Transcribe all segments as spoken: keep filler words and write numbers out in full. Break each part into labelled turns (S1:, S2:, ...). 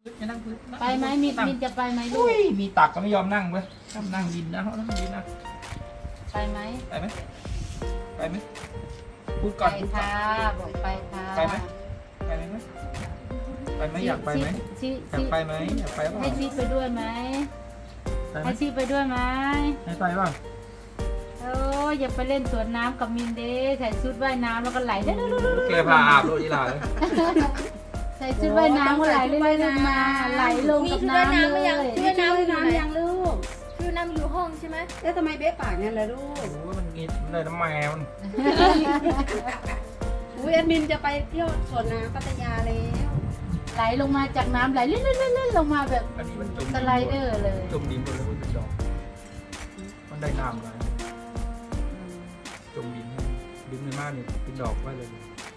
S1: จะนั่งพื้น
S2: ไปไหมมินมินจะไปไหมลู
S1: อุ้
S2: ก
S1: ยมีตักก็ไม่ยอมนั่งเว้ยชอบนั่งดินนะเขานั่งดินนะ
S2: ไปไหม
S1: ไปไหมไปไหมพูดก่อน
S2: ไป
S1: พูดก่อน
S2: ค่ะบอกไปค่ะ
S1: ไปไหมไปไหมไปไหมอยากไปไหม
S2: ชิ
S1: อยากไปไหมอยากไปป่ะ
S2: ให้ชิไปด้วยไหม
S1: ไปไหม
S2: ให้ชิไปด้วยไหม
S1: ให้ไปป่ะ
S2: โอ้ยอย่าไปเล่นสวนน้ำกับมินเด้ใส่ชุดว่ายน้ำแล้วก็ไหลเด้อ
S1: แกพาอาบโรดีลาเลย
S2: ใส่ชุดว่ายน้ำก็ไหลเรื่อยๆมาไหลลงกับน้ำเลย
S3: ช่วยน้ำน้ำยังลูกช่วยน้ำอยู่ห้องใช่ไหมเอ๊ะทำไมเบ๊ปากงั้นล่ะลูก
S1: โอ้ยมันงิดมันเลยน้ำแมวมัน
S3: อุ้ยแอดมินจะไปเที่ยวสวนน้ำพัทยาแล้ว
S2: ไหลลงมาจากน้ำไหลเลื่อนๆๆลงมาแบบ
S1: อันนี้มันจม
S2: สไลเดอร์เลย
S1: จมดินหมดเลยมันเป็นดอกมันได้น้ำเลยจมดินดินในบ้านเนี่ยเป็นดอกไว้เลย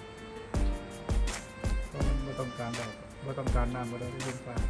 S1: ก็ไม่ต้องการดอกไม่ต้องการน้ำก็ได้ไม่ต้องการ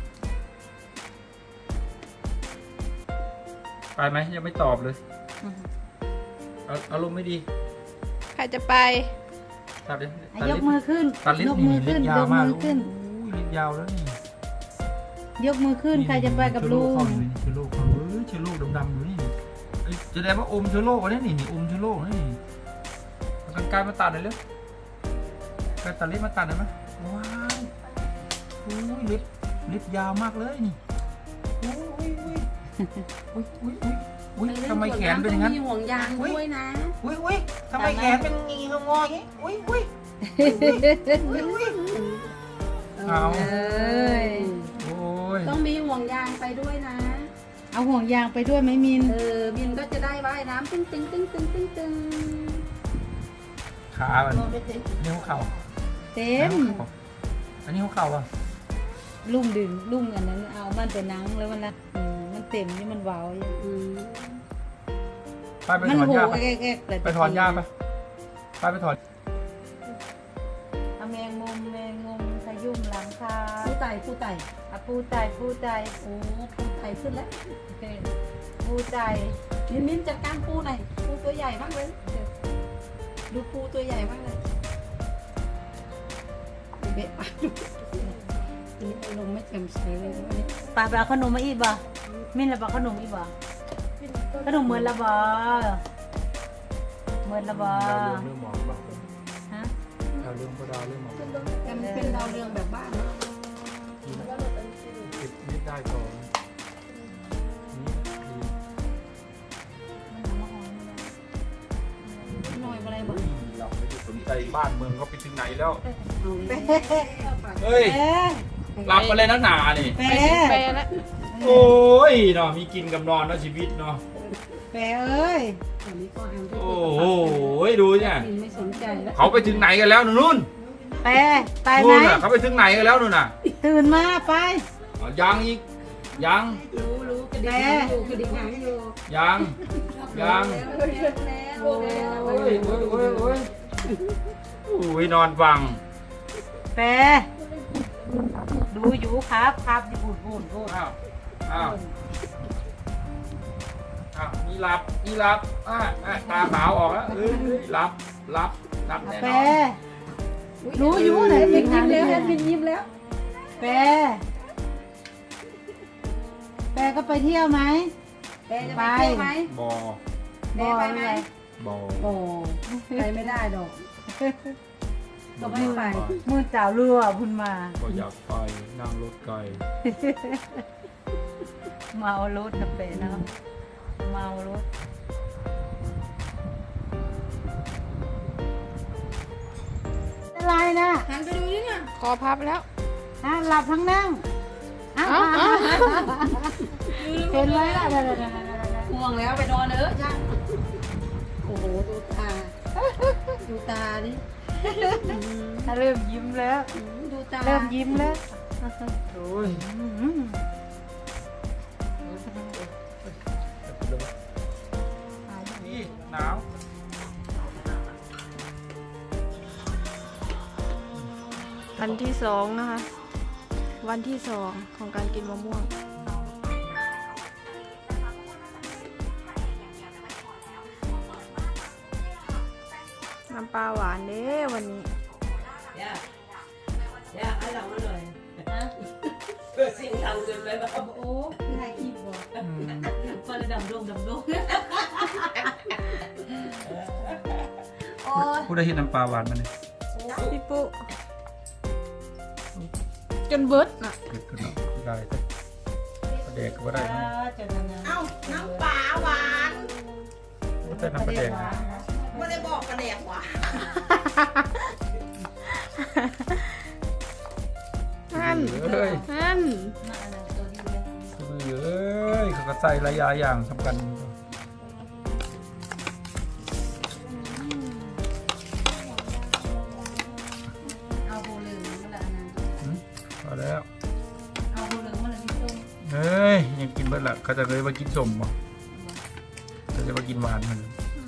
S1: ไปไหมยังไม่ตอบเลยเอาอารมณ์ไม่ดี
S4: ใครจะไป
S1: ตัดเลย
S2: อ่ะยกมือขึ้น
S1: ตัดลิ้น
S2: ยก
S1: นี่
S2: มือ
S1: ลิ้
S2: ขึ้น
S1: นยาย ว
S2: ก
S1: มาก
S2: มือขึ้น
S1: โอ้ยลิ้นยาวแล้วนี่
S2: ยกมือขึ้นใครจะไปกับลุง
S1: เชื้อโรคเขาอยู่นี่เชื้อโรคเขาเฮ้ยเชื้อโรคดำๆอยู่นี่เอ้ยจะได้ว่าอมเชื้อโรคอันนี้นี่นี่อมเชื้อโรคนี่เอากันไกลมาตัดเลยเร็วกันตัดลิ้นมาตัดหน่อยไหมว้าวโอ้ยเล็บเล็บยาวมากเลยนี่โอ้ยอุ้ยอุ้ยอุ้ยอุ้ยอุ้ยทำไมแขนเป็นอย่างนั้น
S3: มีห่วงยางด้วยนะ
S1: อุ้ยอุ้ยทำไมแขนเป็นงีงงออย่างงี้อุ้ยอุ้ยอุ้ยอุ้ยเอา
S2: เอ้ย
S1: โอ้ย
S3: ต้องมีห่วงยางไปด้วยนะ
S2: เอาห่วงยางไปด้วยไหมมิน
S3: เออมินก็จะได้ว่ายน้ำตึ้งตึ้งตึ้งตึ้งตึ้งตึ้ง
S1: ขามันนิ้วเข่า
S2: เต็ม
S1: อันนี้หัวเข่าอ่ะ
S2: ลุ่มดึงลุ่มอันนั้นเอามันไปนังแล้วมันละอืมมันเต็มนี่มันเว้าอยู่
S3: อืม
S1: ไปไป
S2: มัน
S1: ถอน
S2: หู
S1: หญ้าไป
S2: แก๊กๆแต่
S1: ไปถอนหญ้าไปไปไปถอน
S2: เอาแมงมุมแมงมุมขยุ่มหลังคา
S3: ผู้ไต่ผู้ไต่
S2: อะปูใจปูใจ
S3: โอ้ผู้ไต่ขึ้นแล้ว
S2: ปูใจ
S3: มินมินจัดการปูหน่อยปูตัวใหญ่มากเลยดูปูตัวใหญ่มากเลยเบ๊ปากดูนี่อารมณ์ไม่แจ่มใสเลยวันนี้
S2: ปลาปลาขนมมาอีกบ่มินละปลาขนมอีกบ่ขนมเหมือนละบ่เหมือนละบ่
S1: ดาวเรื่องเรื่องหมอกบ้าง
S2: ฮะ
S1: ดาวเรื่องก็ดาวเรื่องหมอก
S3: แต่มันเป็นดาวเรืองแบบบ้านนะ
S1: ติดนิดได้ก่อนนี่
S3: หน่อยอะไรบ้าง
S1: เราไม่ได้สนใจบ้านเมืองเขาไปถึงไหนแล้ว
S3: เอาเลย
S1: เฮ้ย
S2: แปะ
S1: หลับมาเลยนักหนานี่
S2: แป
S4: ไประ แล้ว
S1: โอ้ยเนาะมีกินกับนอนเนาะชีวิตเนาะ
S2: แปะเอ้ย
S3: ตอนนี้ก็อ่านด้วย
S1: โอ้โหดูเนี่ย
S3: มินไม่สนใจแล้ว
S1: เขาไปถึงไหนกันแล้วนู่น
S2: แปะไปไหม
S1: นู่นน่ะเขาไปถึงไหนกันแล้วนู่นน่ะ
S2: ตื่นมาไป
S1: อ๋อยังอีกยัง
S3: รู้รู้กระดิ่งหางอยู่กระดิ่งหางอยู่
S1: ยังยัง
S3: แล้ว
S1: โอ้
S3: แล้ว
S1: ยโอ้ยโอ้ยโอ้ยโอ้ยนอนฟัง
S2: แปะดูอยู่ครับครับอยู่พูดพูดพูด
S1: อ้าวอ้าวอ้าวมีหลับมีหลับอ่าอ่าตาขาวออกแล้วเอ้ยหลับหลับหลับแน่น
S2: แป
S1: อน
S2: ะรู้อยู่ไหน
S3: แอดมิ
S2: เป็น
S3: น
S2: ทา
S3: ยิ้
S2: ง
S3: ม
S2: เดี
S3: แล้
S2: ยว ว
S3: แอดมินยิ้มแล้ว
S2: แปะแปะก็ไปเที่ยวไหม
S3: แกจะไปเที่ยวไหม
S1: บอ
S3: แกไปไหม
S1: บอ
S3: โอ้ไปไม่ได้ดอกก็ไม่ไป
S2: มือเจ้าเรือพุ่นมา
S1: ก็อยากไปนั่งรถไกล
S2: เมารถนะเปะเนาะเมารถอะไรนะ
S3: หันไปดูนี่เนี่ย
S4: คอพับแล้ว
S2: ฮะหลับทั้งนั่งอ้าว
S4: เอ้าเอ้า
S2: เห็นไหมล่ะ
S3: ห่วงแล้วไปนอนเออจ้าโอ้โหดูตาดูตาดิ
S2: เริ่มยิ้มแล้ว
S3: ดูตา
S2: เริ่มยิ้มแล้ว
S1: โอ้ย
S2: อืม
S1: นี่หนาว
S4: วันที่สองนะคะ วันที่สองของการกินมะม่วง น้ำปลาหวานเด้วันนี้
S2: นะ
S3: เกิดสิ่งทำเกินไปแบบ
S2: โอ้ถ่ายคลิปบ่
S1: อืม
S3: พอระดับโด่งดับโด่งโอ้ย
S1: ผู้ได้เห็นน้ำปลาหวานมาเนี่ย
S4: พี่ปุ๊จนเบิดน่ะ
S1: เกิดขึ้นเนาะได้แต่ประเด็กก็บ่ได้นะ
S2: จะนั่นนะ
S3: เอ้าน้ำปลาหวาน
S1: บ่แต่น้ำประเด็กนะ
S3: ไม่ได้บอกกระแดกหวาน
S4: นั่น
S1: เอ้ย
S4: นั่น
S2: มาอันนั้นตัวดีเลย
S1: เอ้ยเขาก็ใส่หลายอย่างสำคัญ
S2: เอาโบเหลืองมาละอันนั้น
S1: อืมพอแล้ว
S2: เอาโบเหลืองมาละพี่ส้ม
S1: เฮ้ยยังกินเบิดละเขาจะเลยมากินสมบ่เขาจะมากินหวานมัน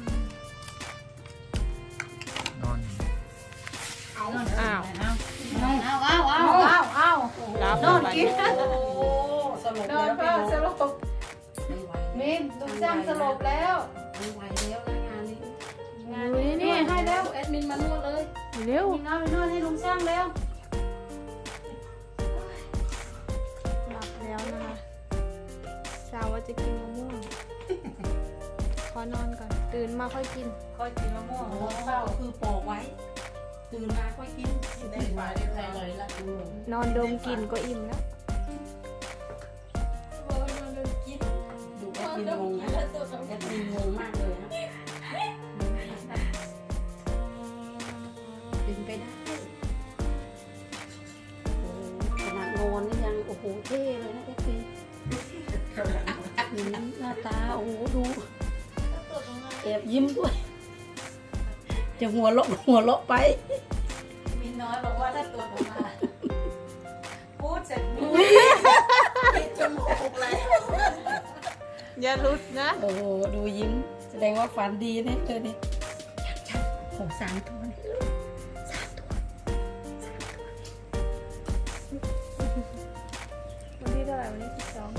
S1: นอน
S4: อ้าว
S2: เอาเอาเอาเอาเอา
S4: รับ
S2: นอน
S4: ไป
S2: กิน
S3: โอ้สลบ
S2: น
S3: แล้
S2: อ
S3: วน
S2: เพื่อสลบ
S3: ไม่ไหว
S2: มินลุงจ้างสลบแล้ว
S3: ไม่ไหวแล้วนะงานนี้
S2: งานนี้นี่ให้แล้วแอดมินมานวดเลย
S4: เร็ว
S2: มินเอาไปนวดให้ลุงช่างแล้ว
S4: หลับแล้วนะคะสาวว่าจะกินมะม่วง ขอนอนก่อน ตื่นมาค่อยกิน
S2: ค่อยกินมะม่วง
S3: โอ้
S2: แล้วเข้า
S3: คือปอกไว้ ตื่นมาค่อยกินตื่นมาเรียบร้อยเลยละดู
S4: นอนดมกลิ่นก็อิ่มแล้ว
S3: ดูแอดมินงงนะแอดมินงงมากเลยนะเป็นไปได้โอ้ขนาดนอนนี่ยังโอ้โหเท่เลยนะแอดมินหน้าตาโอ้โหดูแอบยิ้มด้วย จะหัวเราะหัวเราะไป
S2: มินน้อยบอกว่าถ้าตรวจออกมาพูดเสร็จพูด
S3: ปิดจมูกเลย
S4: อย่าลุดนะ
S3: โอ้โหดูยิ้ม แสดงว่าฝันดีนะเธอเนี่ยชัดๆโอ้สามตัวนี่สามตัว
S4: วันที่เท่าไหร่วันที่สิบสอง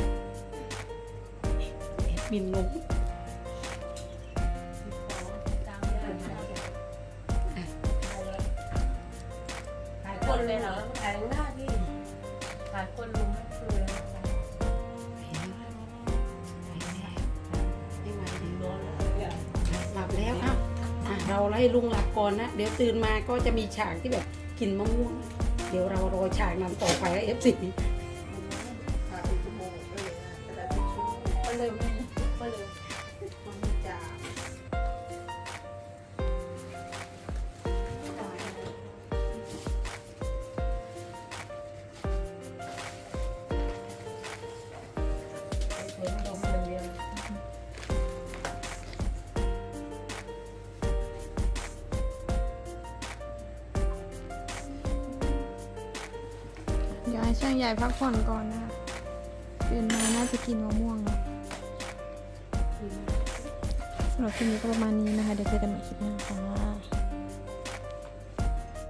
S3: แอดมินงง
S2: หลายคนเลยเหรอหลายหน้าที่หลายคนลุงไม่คือ
S3: หลับแล้วครับอ่ะเราไล่ลุงหลับก่อนนะ เดี๋ยวตื่นมาก็จะมีฉากที่แบบกินมะม่วง เดี๋ยวเรารอฉากนั้นต่อไปเอฟซี
S2: ก็เลยไม่ก็เลย
S4: เดี๋ยวให้ช่างใหญ่พักผ่อนก่อนนะคะตื่นมาน่าจะกินมะม่วงนะสำหรับคลิปนี้ก็ประมาณนี้นะคะ เดี๋ยวเจอกันใหม่คลิปหน้าค่ะ